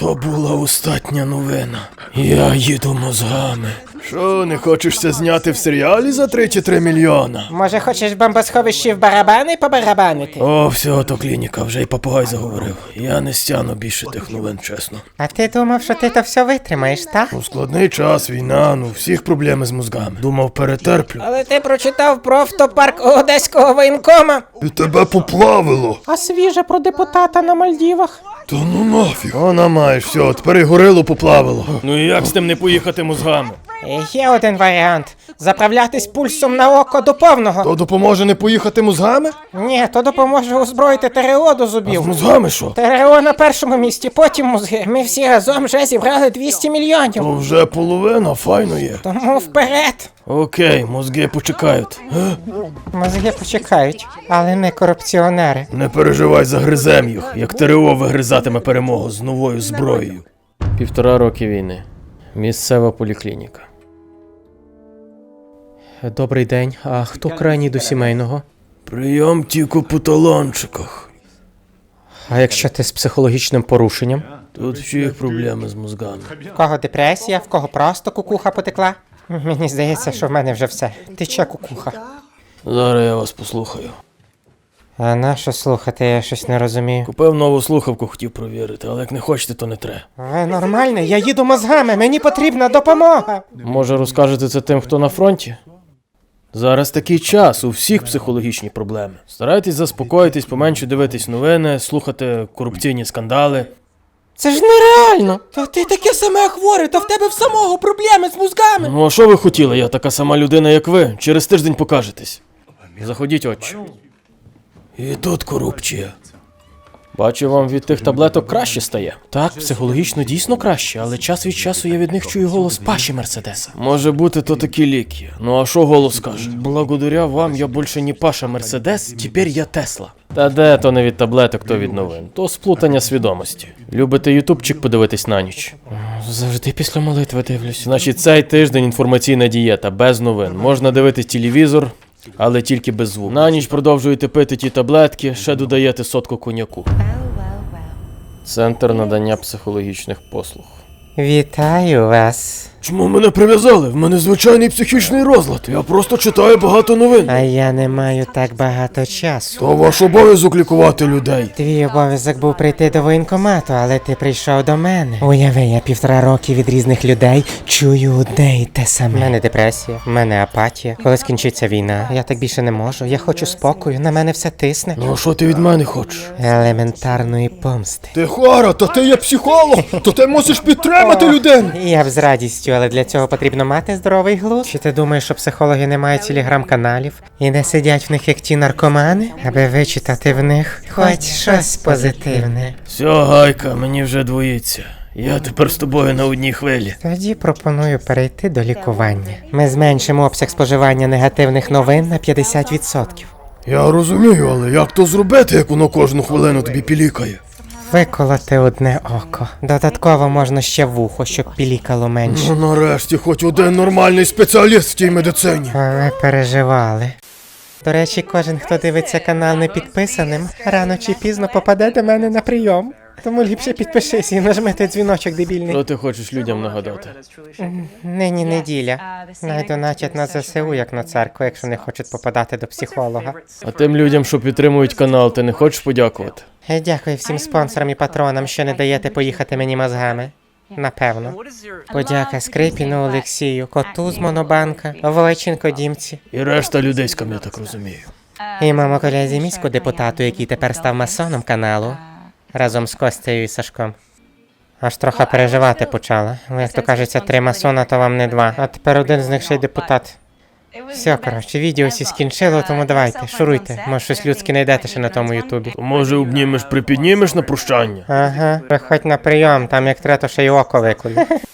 То була остання новина. Я їду мозгами. Що, не хочешся зняти в серіалі за 3 чи 3 мільйона? Може, хочеш в бомбосховищі в барабани побарабанити? О, все, то клініка, вже й попугай заговорив. Я не стягну більше тих новин, чесно. А ти думав, що ти то все витримаєш, так? Складний час, війна, всіх проблеми з мозгами. Думав, перетерплю. Але ти прочитав про автопарк Одеського воєнкома. І тебе поплавило. А свіже про депутата на Мальдівах? Та ну нафіг. Вона маєш, все, тепер і горило поплавило. Ну і як з тим не поїхати мозгами? Є один варіант. Заправлятись пульсом на око до повного. То допоможе не поїхати мозгами? Ні, то допоможе озброїти ТРО до А з зубів. мозгами що? ТРО на першому місці, потім мозги. Ми всі разом вже зібрали 200 мільйонів. То вже половина, файно є. Тому вперед. Окей, мозги почекають. Мозги почекають, але ми корупціонери. Не переживай, загризем їх, як ТРО вигризатиме перемогу з новою зброєю. 1,5 роки війни. Місцева поліклініка. Добрий день. А хто крайній до сімейного? Прийом тільки по талончиках. А якщо ти з психологічним порушенням? Тут всіх проблеми з мозгами. В кого депресія, в кого просто кукуха потекла? Мені здається, що в мене вже все. Тече кукуха. Зараз я вас послухаю. А на що слухати, я щось не розумію. Купив нову слухавку, хотів провірити, але як не хочете, то не треба. Ви нормальний? Я їду мозгами, мені потрібна допомога. Може, розкажете це тим, хто на фронті? Зараз такий час, у всіх психологічні проблеми. Старайтесь заспокоїтись, поменше дивитись новини, слухати корупційні скандали. Це ж нереально. Та ти таке саме хворе, та в тебе в самого проблеми з мозгами. Ну а що ви хотіли? Я така сама людина, як ви. Через тиждень покажетесь. Заходіть, отче. І тут корупція. Бачу, вам від тих таблеток краще стає. Так, психологічно дійсно краще, але час від часу я від них чую голос Паші Мерседеса. Може бути, то такі ліки. Ну а що голос каже? Благодаря вам я більше не Паша Мерседес, тепер я Тесла. Та де то не від таблеток, то від новин. То сплутання свідомості. Любите ютубчик подивитись на ніч? Завжди після молитви дивлюсь. Значить, цей тиждень інформаційна дієта, без новин. Можна дивитись телевізор, але тільки без звуку. На ніч продовжуєте пити ті таблетки, ще додаєте сотку коньяку. Центр надання психологічних послуг. Вітаю вас. Чому мене прив'язали? В мене звичайний психічний розлад. Я просто читаю багато новин. А я не маю так багато часу. То ваш обов'язок лікувати людей. Твій обов'язок був прийти до воєнкомату, але ти прийшов до мене. Уяви, я 1,5 роки від різних людей чую одне і те саме. У мене депресія, в мене апатія. Коли скінчиться війна, я так більше не можу. Я хочу спокою, на мене все тисне. Ну а що ти від мене хочеш? Елементарної помсти. Ти хвора, то ти є психолог, то ти мусиш підтримати людину. Я б з радістю, але для цього потрібно мати здоровий глузд. Чи ти думаєш, що психологи не мають телеграм-каналів і не сидять в них як ті наркомани, аби вичитати в них хоч щось позитивне? Все, Гайка, мені вже двоїться. Я тепер з тобою на одній хвилі. Тоді пропоную перейти до лікування. Ми зменшимо обсяг споживання негативних новин на 50%. Я розумію, але як то зробити, як воно кожну хвилину тобі пілікає? Виколоти одне око. Додатково можна ще вухо, щоб пілікало менше. Ну нарешті хоч один нормальний спеціаліст в тій медицині. Ви переживали. До речі, кожен, хто дивиться канал не підписаним, рано чи пізно попаде до мене на прийом. Тому ліпше підпишись і нажми той дзвіночок дебільний. Що ти хочеш людям нагадати? Нині неділя. Найдоначать на ЗСУ, як на церкву, якщо не хочуть попадати до психолога. А тим людям, що підтримують канал, ти не хочеш подякувати? Дякую всім спонсорам і патронам, що не даєте поїхати мені мозгами. Напевно. Подяка Скрипіну Олексію, коту з Монобанка, Войченко Дімці. І решта людейська, я так розумію. І мамо колезі міську депутату, який тепер став масоном каналу. Разом з Костею і Сашком. Аж трохи переживати почала. Як то кажеться, 3 масона, то вам не 2. А тепер один з них ще й депутат. Все, коротше, відео всі скінчило, тому давайте, шуруйте. Може, щось людське знайдете ще на тому ютубі. То може обнімеш, припіднімеш на прощання? Ага, приходь на прийом, там як треба, то ще й око виколю.